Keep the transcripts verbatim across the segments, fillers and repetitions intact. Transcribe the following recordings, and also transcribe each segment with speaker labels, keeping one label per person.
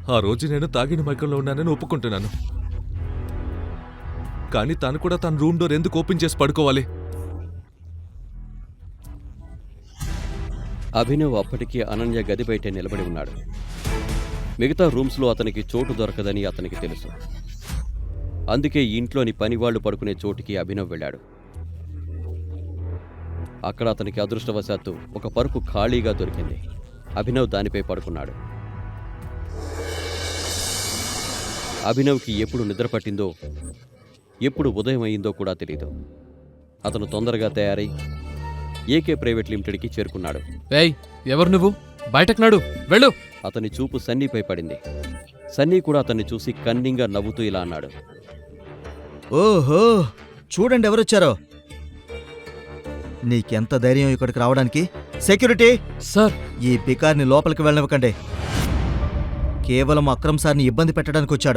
Speaker 1: ఆ రోజు నేను తాగిన మైకంలో ఉన్నానని ఒప్పుకుంటున్నాను. కానీ తను కూడా తన రూమ్ డోర్ ఎందుకు ఓపెన్ చేసి పడుకోవాలి?
Speaker 2: అభినవ్ అప్పటికీ అనన్య గది బయటే నిలబడి ఉన్నాడు. మిగతా రూమ్స్లో అతనికి చోటు దొరకదని అతనికి తెలుసు. అందుకే ఇంట్లోని పనివాళ్లు పడుకునే చోటికి అభినవ్ వెళ్ళాడు. అక్కడ అతనికి అదృష్టవశాత్తు ఒక పరుపు ఖాళీగా దొరికింది. అభినవ్ దానిపై పడుకున్నాడు. అభినవ్కి ఎప్పుడు నిద్ర పట్టిందో, ఎప్పుడు ఉదయం అయిందో కూడా తెలీదు. అతను తొందరగా తయారై ఏకే ప్రైవేట్ లిమిటెడ్కి చేరుకున్నాడు.
Speaker 3: ఏయ్, ఎవరు నువ్వు? బయటకు నాడు, వెళ్ళు.
Speaker 2: అతని చూపు సన్నీపై పడింది. సన్నీ కూడా అతన్ని చూసి కన్నింగా నవ్వుతూ ఇలా అన్నాడు.
Speaker 4: ఓహో, చూడండి ఎవరొచ్చారో. నీకెంత ధైర్యం ఇక్కడికి రావడానికి? సెక్యూరిటీ
Speaker 3: సార్,
Speaker 4: ఈ బికార్ని లోపలికి వెళ్ళనివ్వకండి. కేవలం అక్రమ్ సార్ని ఇబ్బంది పెట్టడానికి వచ్చాడు.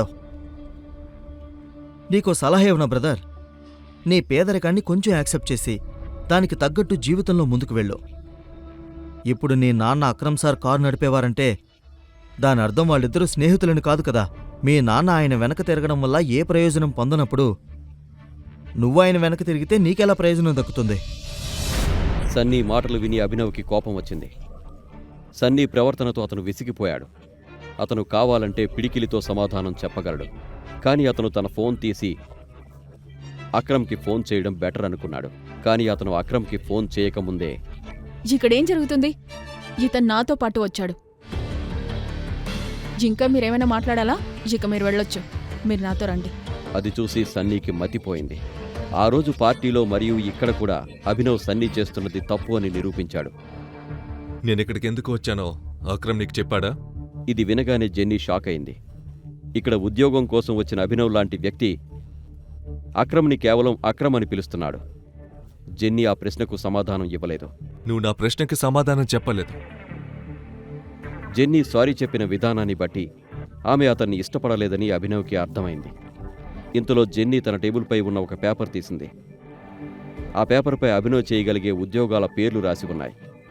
Speaker 4: నీకో సలహా ఇవ్వనా బ్రదర్? నీ పేదరికాన్ని కొంచెం యాక్సెప్ట్ చేసి దానికి తగ్గట్టు జీవితంలో ముందుకు వెళ్ళు. ఇప్పుడు నీ నాన్న అక్రమ్ సార్ కారు నడిపేవారంటే దాని అర్థం వాళ్ళిద్దరూ స్నేహితులని కాదు కదా. మీ నాన్న ఆయన వెనక తిరగడం వల్ల ఏ ప్రయోజనం పొందనప్పుడు నువ్వు ఆయన వెనక తిరిగితే నీకెలా ప్రయోజనం దక్కుతుంది?
Speaker 2: సన్నీ మాటలు విని అభినవ్కి కోపం వచ్చింది. సన్నీ ప్రవర్తనతో అతను విసిగిపోయాడు. అతను కావాలంటే పిడికిలితో సమాధానం చెప్పగలడు. కానీ అతను తన ఫోన్ తీసి అక్రమ్కి ఫోన్ చేయడం బెటర్ అనుకున్నాడు. కానీ అతను అక్రమ్కి ఫోన్ చేయకముందే,
Speaker 5: ఇక్కడేం జరుగుతుంది? ఇతను నాతో పాటు వచ్చాడు. ఇంకా మీరేమైనా మాట్లాడాలా? ఇక మీరు వెళ్ళొచ్చు. మీరు నాతో రండి.
Speaker 2: అది చూసి సన్నీకి మతిపోయింది. ఆ రోజు పార్టీలో మరియు ఇక్కడ కూడా అభినవ్ సన్నీ చేస్తున్నది తప్పు అని నిరూపించాడు.
Speaker 1: నేనిక్కడికి ఎందుకు వచ్చానో అక్రమ్ నీకు చెప్పాడా?
Speaker 2: ఇది వినగానే జెన్నీ షాక్ అయింది. ఇక్కడ ఉద్యోగం కోసం వచ్చిన అభినవ్ లాంటి వ్యక్తి అక్రమ్ని కేవలం అక్రమ్ అని పిలుస్తున్నాడు. జెన్నీ ఆ ప్రశ్నకు సమాధానం ఇవ్వలేదు.
Speaker 1: నువ్వు నా ప్రశ్నకి సమాధానం చెప్పలేదు.
Speaker 2: జెన్నీ సారీ చెప్పిన విధానాన్ని బట్టి ఆమె అతన్ని ఇష్టపడలేదని అభినవ్కి అర్థమైంది. ఇంతలో జెన్నీ తన టేబుల్పై ఉన్న ఒక పేపర్ తీసింది. ఆ పేపర్పై అభినవ్ చేయగలిగే ఉద్యోగాల పేర్లు రాసి ఉన్నాయి.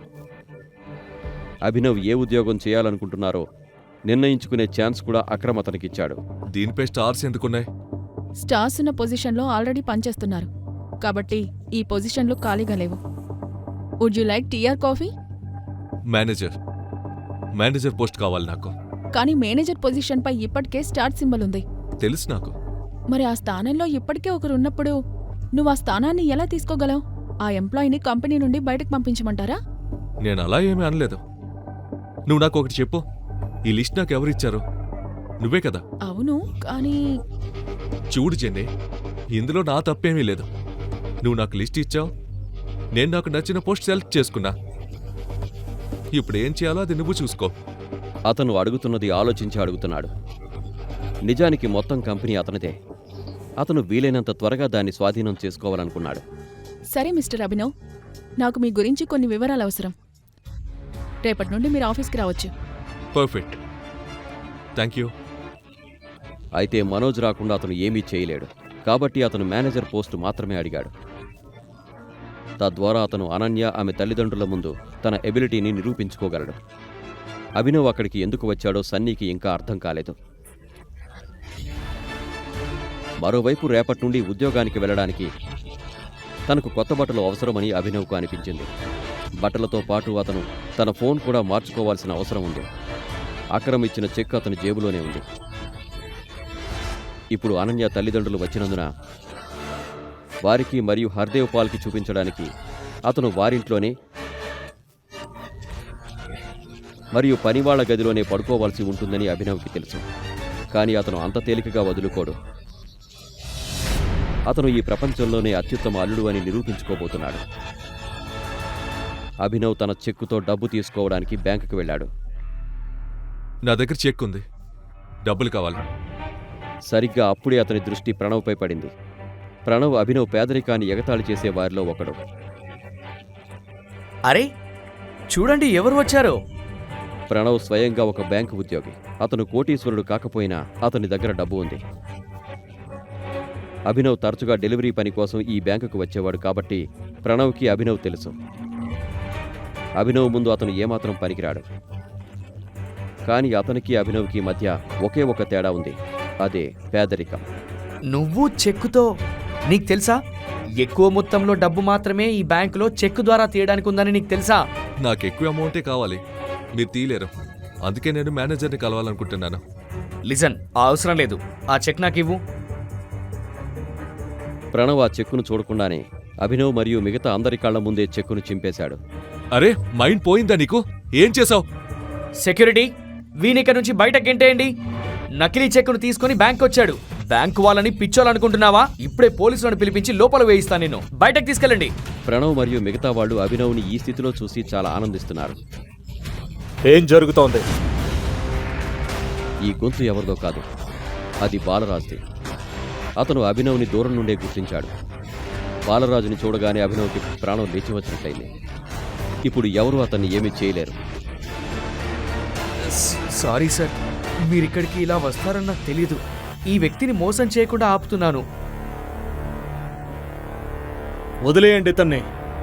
Speaker 2: అభినవ్ ఏ ఉద్యోగం చేయాలనుకుంటున్నారో నిర్ణయించుకునే ఛాన్స్ కూడా అక్రమ్ అతనికిచ్చాడు.
Speaker 1: దీనిపై స్టార్స్ ఎందుకున్నాయి?
Speaker 5: స్టార్స్ ఉన్న పొజిషన్లో ఆల్రెడీ పనిచేస్తున్నారు కాబట్టి ఈ పొజిషన్లు ఖాళీగా లేవు. Would you like tea or coffee?
Speaker 1: Manager manager post కావాలి నాకు.
Speaker 5: కానీ మేనేజర్ పొజిషన్పై ఇప్పటికే స్టార్ సింబల్ ఉంది.
Speaker 1: తెలుసు నాకు.
Speaker 5: మరి ఆ స్థానంలో ఇప్పటికే ఒకరు ఉన్నప్పుడు నువ్వు ఆ స్థానాన్ని ఎలా తీసుకోగలవు? ఆ ఎంప్లాయీని కంపెనీ నుండి బయటకు పంపించమంటారా?
Speaker 1: నేను అలా ఏమీ అనలేదు. నువ్వు నాకు ఒకటి చెప్పు, ఈ లిస్ట్ నాకు ఎవరిచ్చారు? నువ్వే కదా?
Speaker 5: అవును, కానీ
Speaker 1: చూడు జెన్నీ, ఇందులో నా తప్పేమీ లేదు. నువ్వు నాకు లిస్ట్ ఇచ్చావు, నేను నాకు నచ్చిన పోస్ట్ సెలెక్ట్ చేసుకున్నా. ఇప్పుడు ఏం చేయాలో అది నువ్వు చూసుకో.
Speaker 2: అతను అడుగుతున్నది ఆలోచించి అడుగుతున్నాడు. నిజానికి మొత్తం కంపెనీ అతనిదే. అతను వీలైనంత త్వరగా దాన్ని స్వాధీనం చేసుకోవాలనుకున్నాడు.
Speaker 5: సరే మిస్టర్ అభినవ్, నాకు మీ గురించి కొన్ని వివరాలు అవసరం. రేపటి నుండి మీరు ఆఫీస్కి రావచ్చు.
Speaker 1: Perfect, thank you.
Speaker 2: అయితే మనోజ్ రాకుండా అతను ఏమీ చేయలేడు. కాబట్టి అతను మేనేజర్ పోస్టు మాత్రమే అడిగాడు. తద్వారా అతను అనన్య ఆమె తల్లిదండ్రుల ముందు తన ఎబిలిటీని నిరూపించుకోగలడు. అభినవ్ అక్కడికి ఎందుకు వచ్చాడో సన్నీకి ఇంకా అర్థం కాలేదు. మరోవైపు రేపటి నుండి ఉద్యోగానికి వెళ్ళడానికి తనకు కొత్త బట్టలు అవసరమని అభినవ్కు అనిపించింది. బట్టలతో పాటు అతను తన ఫోన్ కూడా మార్చుకోవాల్సిన అవసరం ఉంది. అక్రమ్ ఇచ్చిన చెక్ అతని జేబులోనే ఉంది. ఇప్పుడు అనన్య తల్లిదండ్రులు వచ్చినందున వారికి మరియు హర్దేవ్ పాల్కి చూపించడానికి అతను వారింట్లోనే మరియు పనివాళ్ల గదిలోనే పడుకోవాల్సి ఉంటుందని అభినవ్కి తెలుసు. కానీ అతను అంత తేలికగా వదులుకోడు. అతను ఈ ప్రపంచంలోనే అత్యుత్తమ అల్లుడు అని నిరూపించుకోబోతున్నాడు. అభినవ్ తన చెక్కుతో డబ్బు తీసుకోవడానికి బ్యాంకుకు వెళ్ళాడు.
Speaker 1: నా దగ్గర చెక్ ఉంది, డబ్బులు కావాలి.
Speaker 2: సరిగ్గా అప్పుడే అతని దృష్టి ప్రణవ్పై పడింది. ప్రణవ్ అభినవ్ పేదరికాన్ని ఎగతాళి చేసే వారిలో ఒకడు.
Speaker 6: అరే చూడండి ఎవరు వచ్చారో.
Speaker 2: ప్రణవ్ స్వయంగా ఒక బ్యాంకు ఉద్యోగి. అతను కోటీశ్వరుడు కాకపోయినా అతని దగ్గర డబ్బు ఉంది. అభినవ్ తరచుగా డెలివరీ పని కోసం ఈ బ్యాంకుకు వచ్చేవాడు కాబట్టి ప్రణవ్కి అభినవ్ తెలుసు. అభినవ్ ముందు అతను ఏమాత్రం పనికిరాడు. కానీ అతనికి అభినవ్కి మధ్య ఒకే ఒక తేడా ఉంది. అదే పేదరికం.
Speaker 6: నువ్వు చెక్కుతో నీకు తెలుసా ఎక్కువ మొత్తంలో డబ్బు మాత్రమే ఈ బ్యాంకులో చెక్కు ద్వారా తీయడానికి ఉందని నీకు తెలుసా?
Speaker 1: నాకు ఎక్కువ అమౌంటే కావాలి, మీరు తీయలేరు. అందుకే నేను మేనేజర్ని కలవాలనుకుంటున్నాను.
Speaker 6: లిజన్, ఆ అవసరం లేదు. ఆ చెక్ నాకు ఇవ్వు.
Speaker 2: ప్రణవ్ ఆ చెక్కును చూడకుండానే అభినవ్ మరియు మిగతా అందరి కళ్ల ముందే చెక్కును చింపేశాడు.
Speaker 1: అరే, మైండ్ పోయిందా నీకు? ఏం చేసావు?
Speaker 6: సెక్యూరిటీ, వీనిక నుంచి బయటకు గెంటేయండి. నకిలీ చెక్కును తీసుకుని బ్యాంక్ వచ్చాడు. బ్యాంకు వాళ్ళని పిచ్చోలనుకుంటున్నావా? ఇప్పుడే పోలీసులను పిలిపించి లోపల వేయిస్తాను. నిన్ను బయటకు తీసుకెళ్ళండి.
Speaker 2: ప్రణవ్ మరియు మిగతా వాళ్ళు అభినవ్ని ఈ స్థితిలో చూసి చాలా ఆనందిస్తున్నారు.
Speaker 7: ఏం జరుగుతోంది?
Speaker 2: ఈ గొంతు ఎవరిదో కాదు, అది బాలరాజుది. అతను అభినవ్ని దూరం నుండే గుర్తించాడు. బాలరాజుని చూడగానే అభినవ్కి ప్రాణం లేచి వచ్చినట్లయింది. ఇప్పుడు ఎవరూ అతన్ని ఏమీ చేయలేరు.
Speaker 6: సారీ సార్, మీరిక్కడికి ఇలా వస్తారని నాకు తెలీదు. ఈ వ్యక్తిని మోసం చేయకుండా ఆపుతున్నాను.
Speaker 7: వదిలేయండి ఇతన్ని.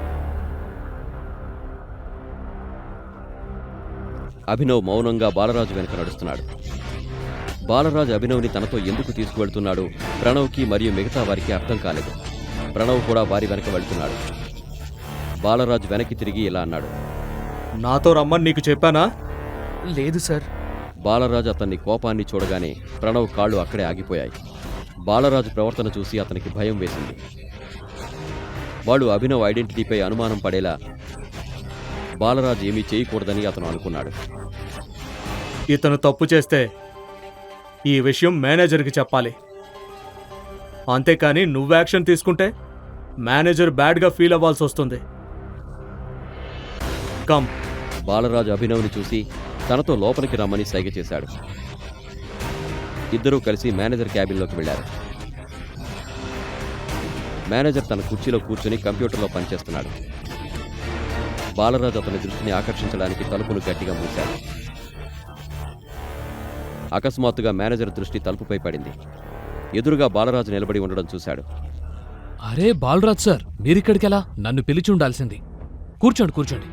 Speaker 2: అభినవ్ మౌనంగా బాలరాజు వెనక నడుస్తున్నాడు. బాలరాజు అభినవ్ని తనతో ఎందుకు తీసుకువెళ్తున్నాడు ప్రణవ్కి మరియు మిగతా వారికి అర్థం కాలేదు. ప్రణవ్ కూడా వారి వెనక వెళ్తున్నాడు. బాలరాజు వెనక్కి తిరిగి ఇలా అన్నాడు.
Speaker 7: నాతో రమ్మని నీకు చెప్పానా?
Speaker 6: లేదు సార్.
Speaker 2: బాలరాజు అతన్ని కోపాన్ని చూడగానే ప్రణవ్ కాళ్ళు అక్కడే ఆగిపోయాయి. బాలరాజు ప్రవర్తన చూసి అతనికి భయం వేసింది. వాడు అభినవ్ ఐడెంటిటీపై అనుమానం పడేలా బాలరాజు ఏమీ చేయకూడదని అతను అనుకున్నాడు.
Speaker 7: ఇతను తప్పు చేస్తే ఈ విషయం మేనేజర్కి చెప్పాలి. అంతేకాని నువ్వు యాక్షన్ తీసుకుంటే మేనేజర్ బ్యాడ్గా ఫీల్ అవ్వాల్సి వస్తుంది. కమ్.
Speaker 2: బాలరాజు అభినవ్ని చూసి తనతో లోపలికి రమ్మని సైగ చేశాడు. ఇద్దరూ కలిసి మేనేజర్ క్యాబిన్లోకి వెళ్లారు. మేనేజర్ తన కుర్చీలో కూర్చుని కంప్యూటర్లో పనిచేస్తున్నాడు. బాలరాజు అతని దృష్టిని ఆకర్షించడానికి తలుపును గట్టిగా మూశాడు. అకస్మాత్తుగా మేనేజర్ దృష్టి తలుపుపై పడింది. ఎదురుగా బాలరాజు నిలబడి ఉండడం చూశాడు.
Speaker 3: అరే బాలరాజ్ సార్, మీరిక్కడికెలా? నన్ను పిలిచి ఉండాల్సింది. కూర్చోండి కూర్చోండి.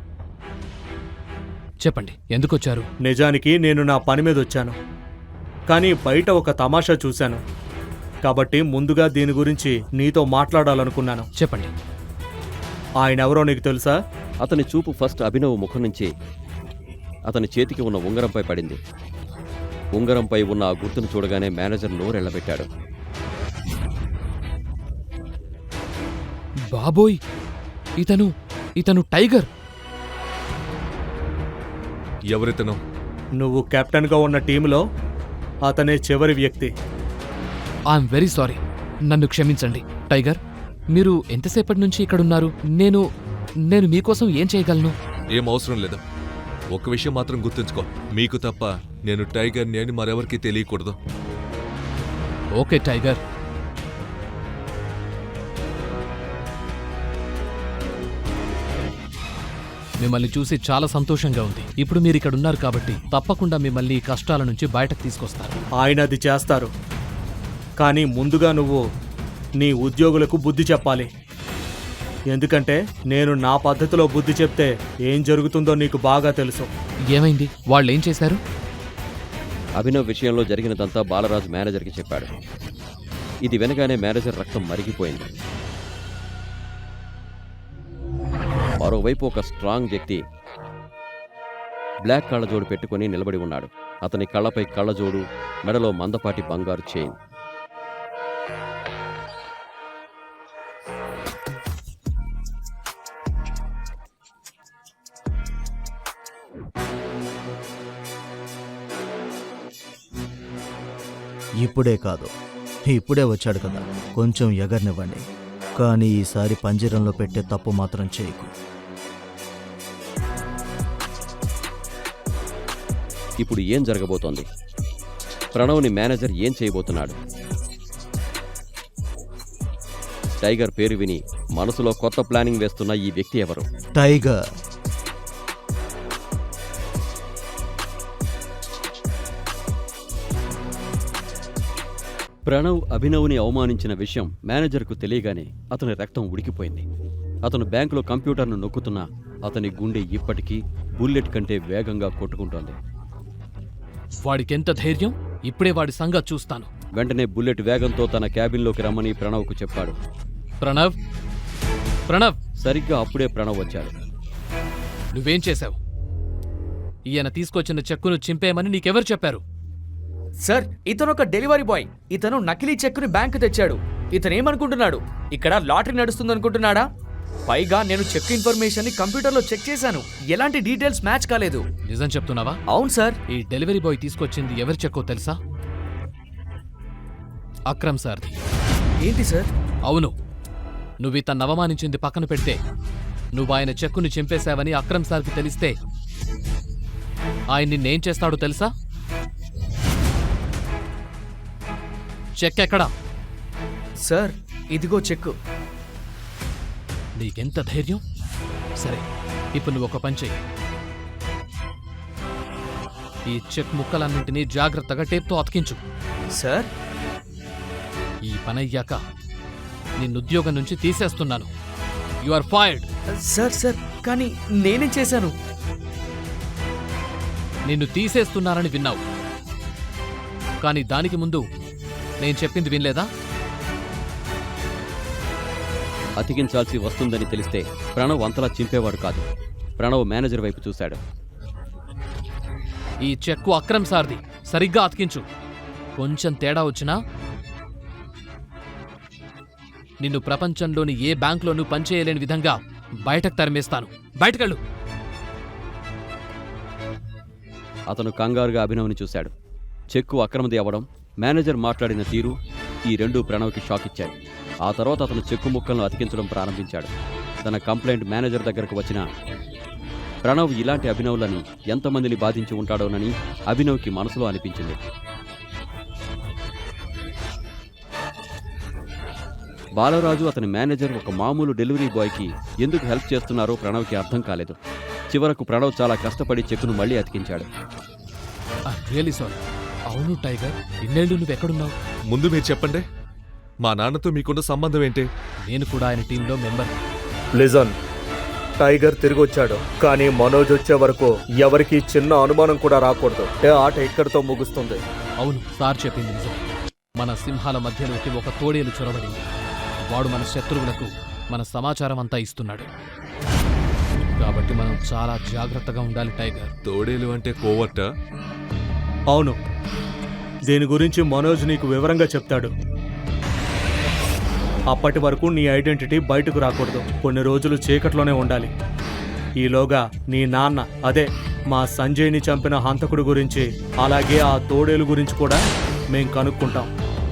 Speaker 3: చెప్పండి, ఎందుకొచ్చారు?
Speaker 7: నిజానికి నేను నా పని మీద వచ్చాను, కానీ బయట ఒక తమాషా చూశాను. కాబట్టి ముందుగా దీని గురించి నీతో మాట్లాడాలనుకున్నాను.
Speaker 3: చెప్పండి.
Speaker 7: ఆయన ఎవరో నీకు తెలుసా?
Speaker 2: అతని చూపు ఫస్ట్ అభినవ్ ముఖం నుంచి అతని చేతికి ఉన్న ఉంగరంపై పడింది. ఉంగరంపై ఉన్న ఆ గుర్తును చూడగానే మేనేజర్ నోరెళ్లబెట్టాడు.
Speaker 3: బాబోయ్, ఇతను ఇతను టైగర్.
Speaker 1: ఎవరితను?
Speaker 7: నువ్వు కెప్టెన్గా ఉన్న టీంలో అతనే చివరి వ్యక్తి.
Speaker 3: ఐఎమ్ వెరీ సారీ, నన్ను క్షమించండి. టైగర్, మీరు ఎంతసేపటి నుంచి ఇక్కడున్నారు? నేను నేను మీకోసం ఏం చేయగలను?
Speaker 1: ఏం అవసరం లేదు. ఒక విషయం మాత్రం గుర్తుంచుకో, మీకు తప్ప నేను టైగర్ నేను మరెవరికి తెలియకూడదు.
Speaker 3: Okay tiger. మిమ్మల్ని చూసి చాలా సంతోషంగా ఉంది. ఇప్పుడు మీరు ఇక్కడ ఉన్నారు కాబట్టి తప్పకుండా మిమ్మల్ని ఈ కష్టాల నుంచి బయటకు తీసుకొస్తారు.
Speaker 7: ఆయన అది చేస్తారు, కానీ ముందుగా నువ్వు నీ ఉద్యోగులకు బుద్ధి చెప్పాలి. ఎందుకంటే నేను నా పద్ధతిలో బుద్ధి చెప్తే ఏం జరుగుతుందో నీకు బాగా తెలుసు.
Speaker 3: ఏమైంది? వాళ్ళు ఏం చేశారు?
Speaker 2: అభినవ్ విషయంలో జరిగినదంతా బాలరాజు మేనేజర్కి చెప్పాడు. ఇది వినగానే మేనేజర్ రక్తం మరిగిపోయింది. మరోవైపు ఒక స్ట్రాంగ్ వ్యక్తి బ్లాక్ కళ్ళజోడు పెట్టుకుని నిలబడి ఉన్నాడు. అతని కళ్ళపై కళ్ళజోడు, మెడలో మందపాటి బంగారు చైన్.
Speaker 4: ఇప్పుడే కాదు, ఇప్పుడే వచ్చాడు కదా, కొంచెం ఎగరనివ్వండి. కానీ ఈసారి పంజరంలో పెట్టే తప్పు మాత్రం చేయకు.
Speaker 2: ఇప్పుడు ఏం జరగబోతోంది? ప్రణవ్ని మేనేజర్ ఏం చేయబోతున్నాడు? టైగర్ పేరు విని మనసులో కొత్త ప్లానింగ్ వేస్తున్న ఈ వ్యక్తి ఎవరు?
Speaker 4: టైగర్.
Speaker 2: ప్రణవ్ అభినవ్ని అవమానించిన విషయం మేనేజర్కు తెలియగానే అతని రక్తం ఉడికిపోయింది. అతను బ్యాంకులో కంప్యూటర్ను నొక్కుతున్నా అతని గుండె ఇప్పటికీ బుల్లెట్ కంటే వేగంగా కొట్టుకుంటోంది.
Speaker 3: వాడికెంత ధైర్యం, ఇప్పుడే వాడి సంగతి చూస్తాను.
Speaker 2: వెంటనే బుల్లెట్ వేగంతో తన క్యాబిన్లోకి రమ్మని ప్రణవ్కు చెప్పాడు.
Speaker 3: ప్రణవ్, ప్రణవ్,
Speaker 2: సరిగ్గా అప్పుడే ప్రణవ్ వచ్చాడు.
Speaker 3: నువ్వేం చేశావు? ఈయన తీసుకొచ్చిన చెక్కును చింపేయమని నీకెవరు చెప్పారు?
Speaker 6: సార్, ఇతను ఒక డెలివరీ బాయ్. ఇతను నకిలీ చెక్కుని బ్యాంకు తెచ్చాడు. ఇతను ఏమనుకుంటున్నాడు, ఇక్కడ లాటరీ నడుస్తుందనుకుంటున్నాడా? పైగా నేను చెక్ ఇన్ఫర్మేషన్ ని కంప్యూటర్లో చెక్ చేశాను. ఎలాంటి డీటెయిల్స్ మ్యాచ్ కాలేదు.
Speaker 3: నిజం చెప్తున్నావా?
Speaker 6: అవును సార్.
Speaker 3: ఈ డెలివరీ బాయ్ తీసుకొచ్చింది ఎవరి చెక్కో తెలుసా? అక్రమ్ సార్ది.
Speaker 6: ఏంటి సార్?
Speaker 3: అవును. నువ్వు ఇతన్ని అవమానించింది పక్కన పెడితే నువ్వు ఆయన చెక్కుని చింపేశావని అక్రమ్ సార్కి తెలిస్తే ఆయన నిన్నేం చేస్తాడో తెలుసా? చెక్ ఎక్కడా?
Speaker 6: సార్, ఇదిగో చెక్కు.
Speaker 3: నీకెంత ధైర్యం? సరే, ఇప్పుడు నువ్వు ఒక పని చెయ్యి. ఈ చెక్ ముక్కలన్నింటినీ జాగ్రత్తగా టేప్తో అతికించు.
Speaker 6: సార్,
Speaker 3: ఈ పనయ్యాక నిన్నుద్యోగం నుంచి తీసేస్తున్నాను. You are fired.
Speaker 6: Sir sir కానీ నేనేం చేశాను?
Speaker 3: నిన్ను తీసేస్తున్నారని విన్నావు, కానీ దానికి ముందు నేను చెప్పింది వినలేదా?
Speaker 2: అతికించాల్సి వస్తుందని తెలిస్తే ప్రణవ్ అంతలా చింపేవాడు కాదు. ప్రణవ్ మేనేజర్ వైపు చూశాడు.
Speaker 3: ఈ చెక్కు అక్రమ్ సార్ది, సరిగ్గా అతికించు. కొంచెం తేడా వచ్చినా నిన్ను ప్రపంచంలోని ఏ బ్యాంకులోనూ పనిచేయలేని విధంగా బయటకు తరిమేస్తాను. బయటకెళ్ళు.
Speaker 2: అతను కంగారుగా అభినవ్ని చూశాడు. చెక్కు అక్రమది అవ్వడం, మేనేజర్ మాట్లాడిన తీరు ఈ రెండు ప్రణవ్కి షాక్ ఇచ్చాయి. ఆ తర్వాత అతను చెక్కు ముక్కలను అతికించడం ప్రారంభించాడు. తన కంప్లైంట్ మేనేజర్ దగ్గరకు వచ్చిన ప్రణవ్ ఇలాంటి అభినవ్లని ఎంతమందిని బాధించి ఉంటాడోనని అభినవ్కి మనసులో అనిపించింది. బాలరాజు అతని మేనేజర్ ఒక మామూలు డెలివరీ బాయ్కి ఎందుకు హెల్ప్ చేస్తున్నారో ప్రణవ్కి అర్థం కాలేదు. చివరకు ప్రణవ్ చాలా కష్టపడి చెక్కును మళ్లీ అతికించాడు.
Speaker 3: Really sorry. అవును టైగర్, ఇన్నేళ్ళు నువ్వెక్కడున్నావు?
Speaker 1: ముందు మీరు చెప్పండి, మా నాన్నతో మీకున్న సంబంధం ఏంటి?
Speaker 3: నేను కూడా ఆయన టీంలో మెంబర్.
Speaker 7: లిజన్, టైగర్ తిరిగి వచ్చాడు, కానీ మనోజ్ వచ్చే వరకు ఎవరికి చిన్న అనుమానం కూడా రాకూడదు. ఏ ఆట ఇక్కడితో ముగుస్తుంది.
Speaker 3: అవును, సార్ చెప్పింది నిజం. మన సింహాల మధ్యలోకి ఒక తోడేలు చొరబడింది. వాడు మన శత్రువులకు మన సమాచారం అంతా ఇస్తున్నాడు. కాబట్టి మనం చాలా జాగ్రత్తగా ఉండాలి టైగర్.
Speaker 1: తోడేలు అంటే కోవర్ట?
Speaker 7: అవును, దీని గురించి మనోజ్ నీకు వివరంగా చెప్తాడు. అప్పటి వరకు నీ ఐడెంటిటీ బయటకు రాకూడదు. కొన్ని రోజులు చీకట్లోనే ఉండాలి. ఈలోగా నీ నాన్న, అదే మా సంజయ్ని చంపిన హంతకుడు గురించి, అలాగే ఆ తోడేలు గురించి కూడా మేం కనుక్కుంటాం.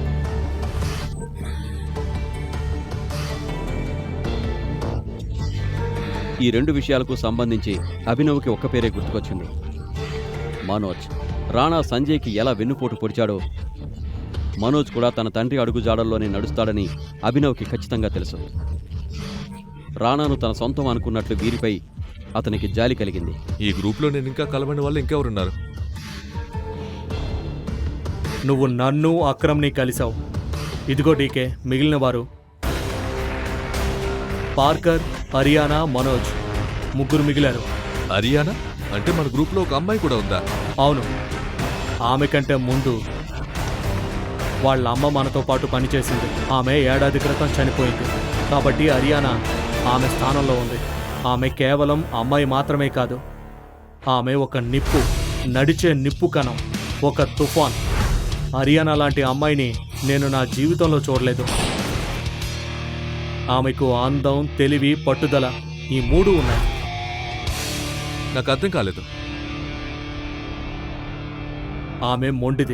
Speaker 2: ఈ రెండు విషయాలకు సంబంధించి అభినవ్కి ఒక్క పేరే గుర్తుకొచ్చింది, మనోజ్. రాణా సంజయ్కి ఎలా వెన్నుపోటు పొడిచాడో మనోజ్ కూడా తన తండ్రి అడుగుజాడల్లోనే నడుస్తాడని అభినవ్కి ఖచ్చితంగా తెలుసు. రాణాను తన సొంతం అనుకున్నట్లు వీరిపై అతనికి జాలి కలిగింది.
Speaker 1: ఈ గ్రూప్లో నేను ఇంకా కలవని వాళ్ళు ఇంకెవరున్నారు?
Speaker 7: నువ్వు నన్ను అక్రమ్ని కలిసావు. ఇదిగో డీకే మిగిలిన వారు పార్కర్, హరియానా, మనోజ్ ముగ్గురు మిగిలారు.
Speaker 1: హరియానా అంటే మన గ్రూప్లో ఒక అమ్మాయి కూడా ఉందా?
Speaker 7: అవును, ఆమె కంటే ముందు వాళ్ళ అమ్మ మనతో పాటు పనిచేసింది. ఆమె ఏడాది క్రితం చనిపోయింది. కాబట్టి హరియానా ఆమె స్థానంలో ఉంది. ఆమె కేవలం అమ్మాయి మాత్రమే కాదు, ఆమె ఒక నిప్పు, నడిచే నిప్పు కణం, ఒక తుఫాన్. హరియానా లాంటి అమ్మాయిని నేను నా జీవితంలో చూడలేదు. ఆమెకు అందం, తెలివి, పట్టుదల ఈ మూడు ఉన్నాయి.
Speaker 1: నాకు అర్థం కాలేదు.
Speaker 7: ఆమె మొండిది.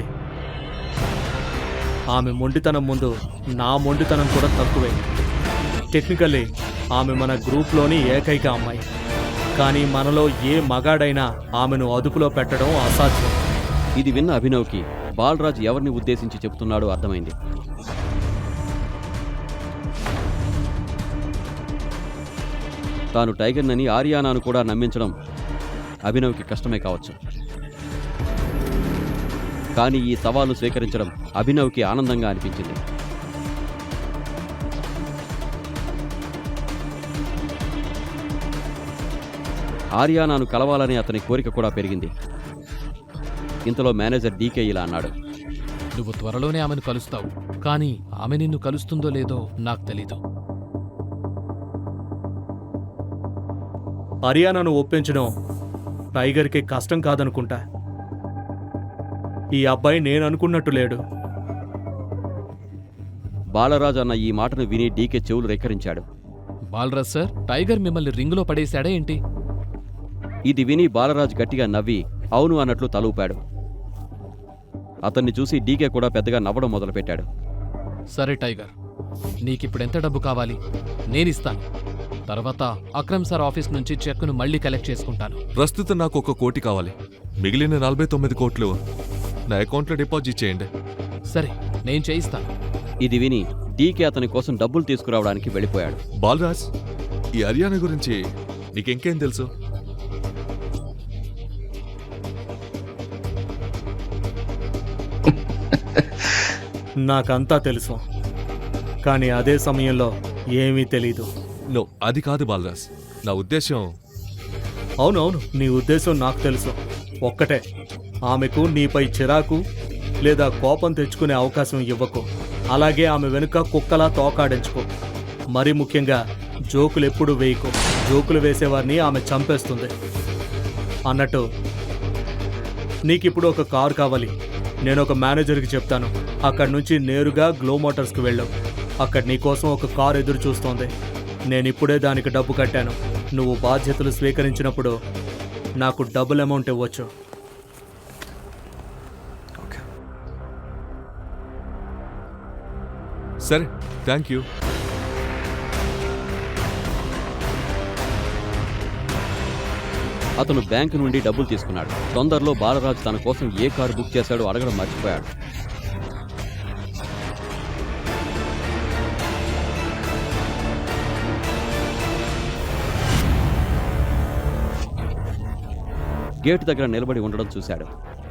Speaker 7: ఆమె మొండితనం ముందు నా మొండితనం కూడా తక్కువే. టెక్నికల్లీ ఆమె మన గ్రూప్లోని ఏకైక అమ్మాయి. కానీ మనలో ఏ మగాడైనా ఆమెను అదుపులో పెట్టడం అసాధ్యం.
Speaker 2: ఇది విన్న అభినవ్కి బాలరాజ్ ఎవరిని ఉద్దేశించి చెబుతున్నాడో అర్థమైంది. తాను టైగర్నని ఆర్యానాను కూడా నమ్మించడం అభినవ్కి కష్టమే కావచ్చు. కానీ ఈ సవాలు స్వీకరించడం అభినవ్కి ఆనందంగా అనిపించింది. ఆర్యానాను కలవాలనే అతని కోరిక కూడా పెరిగింది. ఇంతలో మేనేజర్ డీకే ఇలా అన్నాడు.
Speaker 3: నువ్వు త్వరలోనే ఆమెను కలుస్తావు, కానీ ఆమె నిన్ను కలుస్తుందో లేదో నాకు తెలీదు.
Speaker 7: హరియానాను ఒప్పించడం టైగర్కి కష్టం కాదనుకుంటా. ఈ అబ్బాయి నేను అనుకున్నట్టు లేడు.
Speaker 2: బాలరాజ్ అన్న ఈ మాటను విని డీకే చెవులు రెక్కరించాడు.
Speaker 3: బాలరాజ్ సార్, టైగర్ మిమ్మల్ని రింగులో పడేశాడా ఏంటి?
Speaker 2: ఇది విని బాలరాజ్ గట్టిగా నవ్వి అవును అన్నట్లు తలూపాడు. అతన్ని చూసి డీకే కూడా పెద్దగా నవ్వడం మొదలుపెట్టాడు.
Speaker 3: సరే టైగర్, నీకిప్పుడెంత డబ్బు కావాలి? నేనిస్తాను. తర్వాత అక్రమ్ సార్ ఆఫీస్ నుంచి చెక్కును మళ్ళీ కలెక్ట్ చేసుకుంటాను.
Speaker 1: ప్రస్తుతం నాకు ఒక కోటి కావాలి. మిగిలిన నలభై తొమ్మిది కోట్లు నా అకౌంట్లో డిపాజిట్ చేయండి.
Speaker 3: సరే, నేను చేయిస్తాను.
Speaker 2: ఇది విని డీకే అతని కోసం డబ్బులు తీసుకురావడానికి వెళ్ళిపోయాడు.
Speaker 1: బాలరాజ్, ఈ హర్యానా గురించి నీకెంకేం తెలుసు?
Speaker 7: నాకంతా తెలుసు, కానీ అదే సమయంలో ఏమీ తెలీదు.
Speaker 1: నో, అది కాదు బాలరాజ్. నా ఉద్దేశం
Speaker 7: అవునవును, నీ ఉద్దేశం నాకు తెలుసు. ఒక్కటే, ఆమెకు నీపై చిరాకు లేదా కోపం తెచ్చుకునే అవకాశం ఇవ్వకు. అలాగే ఆమె వెనుక కుక్కలా తోకాడించుకో. మరి ముఖ్యంగా జోకులు ఎప్పుడు వేయకు. జోకులు వేసేవారిని ఆమె చంపేస్తుంది. అన్నట్టు నీకిప్పుడు ఒక కారు కావాలి. నేను ఒక మేనేజర్కి చెప్తాను. అక్కడి నుంచి నేరుగా గ్లో మోటార్స్కి వెళ్ళు. అక్కడ నీకోసం ఒక కారు ఎదురు చూస్తోంది. నేను ఇప్పుడే దానికి డబ్బు కట్టాను. నువ్వు బాధ్యతలు స్వీకరించినప్పుడు నాకు డబుల్ అమౌంట్ ఇవ్వచ్చు.
Speaker 1: సరే, థ్యాంక్ యూ.
Speaker 2: అతను బ్యాంకు నుండి డబ్బులు తీసుకున్నాడు. తొందరలో బాలరాజు తన కోసం ఏ కారు బుక్ చేశాడో అడగడం మర్చిపోయాడు. గేటు దగ్గర నిలబడి ఉండడం చూశాడు.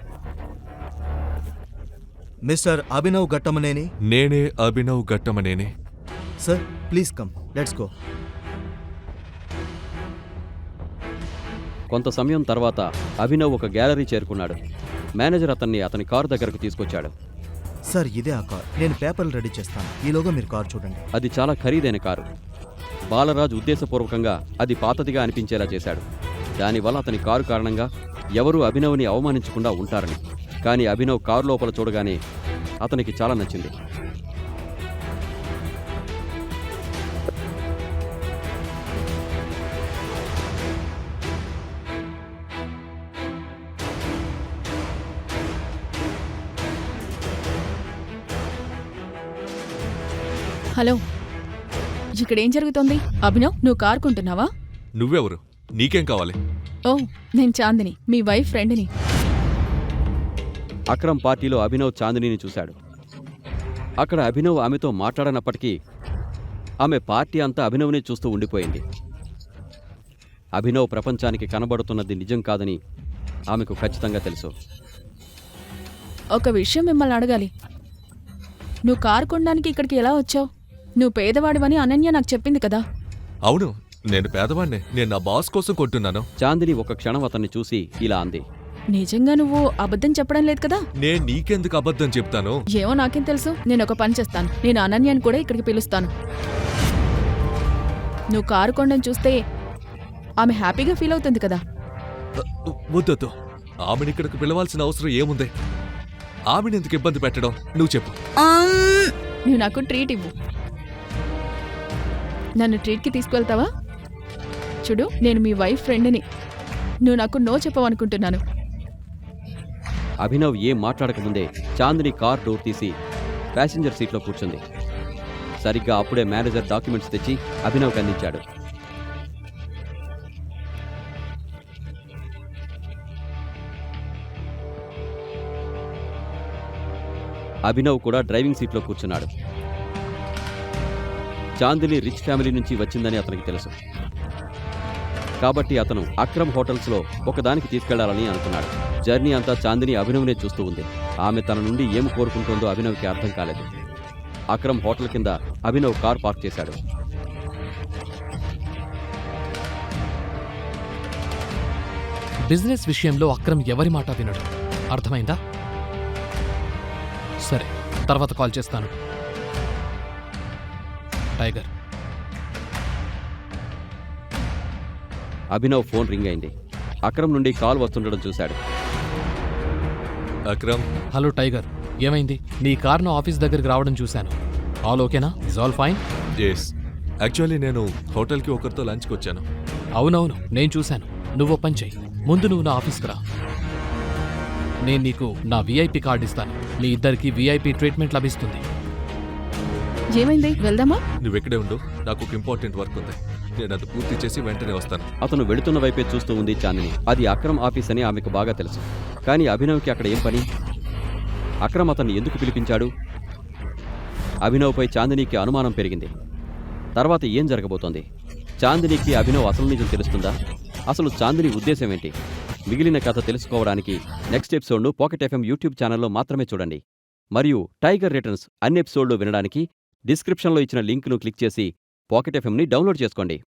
Speaker 4: మిస్టర్ అభినవ్ ఘట్టమనేని.
Speaker 1: నేనే Abhinav Ghattamaneni.
Speaker 4: Sir, please come, let's go.
Speaker 2: కొంత సమయం తర్వాత అభినవ్ ఒక గ్యాలరీ చేరుకున్నాడు. మేనేజర్ అతన్ని అతని కారు దగ్గరకు తీసుకొచ్చాడు.
Speaker 4: సార్, ఇదే ఆ కార్. నేను పేపర్లు రెడీ చేస్తాను. ఈలోగా మీరు కార్ చూడండి.
Speaker 2: అది చాలా ఖరీదైన కారు. బాలరాజు ఉద్దేశపూర్వకంగా అది పాతదిగా అనిపించేలా చేశాడు. దానివల్ల అతని కారు కారణంగా ఎవరూ అభినవ్ని అవమానించకుండా ఉంటారని. కానీ అభినవ్ కారు లోపల చూడగానే అతనికి చాలా నచ్చింది.
Speaker 5: హలో, ఇక్కడేం జరుగుతోంది? అభినవ్, నువ్వు కారు కొంటున్నావా?
Speaker 1: నువ్వెవరు? నీకేం కావాలి?
Speaker 5: ఓ, నేను చాందిని, మీ వైఫ్ ఫ్రెండ్ని.
Speaker 2: అక్రమ్ పార్టీలో అభినవ్ చాందినిని చూశాడు. అక్కడ అభినవ్ ఆమెతో మాట్లాడనప్పటికీ ఆమె పార్టీ అంతా అభినవ్ని చూస్తూ ఉండిపోయింది. అభినవ్ ప్రపంచానికి కనబడుతున్నది నిజం కాదని ఆమెకు ఖచ్చితంగా తెలుసు.
Speaker 5: ఒక విషయం మిమ్మల్ని అడగాలి. నువ్వు కారు కొనడానికి ఇక్కడికి ఎలా వచ్చావు? నువ్వు పేదవాడివని అనన్య నాకు చెప్పింది కదా.
Speaker 1: అవును, నేను పేదవాడినే. నేను నా బాస్ కోసం కొంటున్నాను.
Speaker 2: చాందిని ఒక క్షణం అతన్ని చూసి ఇలా అంది.
Speaker 5: నిజంగా నువ్వు అబద్ధం చెప్పడం లేదు కదా?
Speaker 1: నేను నీకెందుకు అబద్ధం చెప్తాను?
Speaker 5: ఏమో నాకేం తెలుసు. నేను ఒక పని చేస్తాను. నేను అనన్యని కూడా ఇక్కడికి పిలుస్తాను. నువ్వు కారు కొనడం చూస్తే ఆమె హ్యాపీగా ఫీల్ అవుతుంది కదా.
Speaker 1: వద్దొద్దు, ఆమెను ఇక్కడికి పిలవాల్సిన అవసరం ఏముంది? ఆమెను ఎందుకు ఇబ్బంది పెట్టడం? నువ్వు చెప్పు.
Speaker 5: నువ్వు నాకు ట్రీట్ ఇవ్వు. నన్ను ట్రీట్కి తీసుకువెళ్తావా? చూడు, నేను మీ వైఫ్ ఫ్రెండ్ని. నువ్వు నాకు నో చెప్పవనుకుంటున్నాను.
Speaker 2: అభినవ్ ఏం మాట్లాడకముందే చాందిని కార్ డోర్ తీసి ప్యాసింజర్ సీట్లో కూర్చుంది. సరిగ్గా అప్పుడే మేనేజర్ డాక్యుమెంట్స్ తెచ్చి అభినవ్కి అందించాడు. అభినవ్ కూడా డ్రైవింగ్ సీట్లో కూర్చున్నాడు. చాందిని రిచ్ ఫ్యామిలీ నుంచి వచ్చిందని అతనికి తెలుసు. కాబట్టి అతను అక్రమ్ హోటల్స్లో ఒకదానికి తీసుకెళ్లాలని అనుకున్నాడు. జర్నీ అంతా చాందిని అభినవ్నే చూస్తూ ఉంది. ఆమె తన నుండి ఏం కోరుకుంటుందో అభినవ్కి అర్థం కాలేదు. అక్రమ్ హోటల్ కింద అభినవ్ కార్ పార్క్ చేశాడు.
Speaker 3: బిజినెస్ విషయంలో అక్రమ్ ఎవరి మాట వినడు. అర్థమైందా? సరే, తర్వాత కాల్ చేస్తాను. టైగర్.
Speaker 2: అభినవ్ ఫోన్ రింగ్ అయింది. అక్రమ్ నుండి కాల్ వస్తుండడం చూశాడు.
Speaker 1: అక్రమ్,
Speaker 3: హలో టైగర్, ఏమైంది? నీ కార్ను ఆఫీస్ దగ్గరికి రావడం చూశాను. ఆల్ ఓకేనా? Is all fine?
Speaker 1: Yes. Actually నేను హోటల్కి ఒకరితో లంచ్కి వచ్చాను.
Speaker 3: అవునవును, నేను చూశాను. నువ్వు పని చెయ్యి, ముందు నువ్వు నా ఆఫీస్కి రా. నేను నీకు నా వీఐపీ కార్డు ఇస్తాను. మీ ఇద్దరికి వీఐపీ ట్రీట్మెంట్ లభిస్తుంది.
Speaker 5: ఏమైంది, వెళ్దామా?
Speaker 1: నువ్వెక్కడే ఉండు, నాకు ఒక ఇంపార్టెంట్ వర్క్ ఉంది. నేను అది పూర్తి చేసి వెంటనే వస్తాను.
Speaker 2: అతను వెళుతున్న వైపే చూస్తూ ఉంది చాందిని. అది అక్రమ్ ఆఫీస్ అని ఆమెకు బాగా తెలుసు. కానీ అభినవ్కి అక్కడ ఏం పని? అక్రమ్ అతన్ని ఎందుకు పిలిపించాడు? అభినవ్పై చాందినికి అనుమానం పెరిగింది. తర్వాత ఏం జరగబోతోంది? చాందినికి అభినవ్ అసలు నిజం తెలుస్తుందా? అసలు చాందిని ఉద్దేశం ఏంటి? మిగిలిన కథ తెలుసుకోవడానికి నెక్స్ట్ ఎపిసోడ్ను పాకెట్ ఎఫ్ఎం యూట్యూబ్ ఛానల్లో మాత్రమే చూడండి. మరియు టైగర్ రిటర్న్స్ అన్ని ఎపిసోడ్లు వినడానికి డిస్క్రిప్షన్లో ఇచ్చిన లింక్ను క్లిక్ చేసి పాకెట్ ఎఫ్ఎంని డౌన్లోడ్ చేసుకోండి.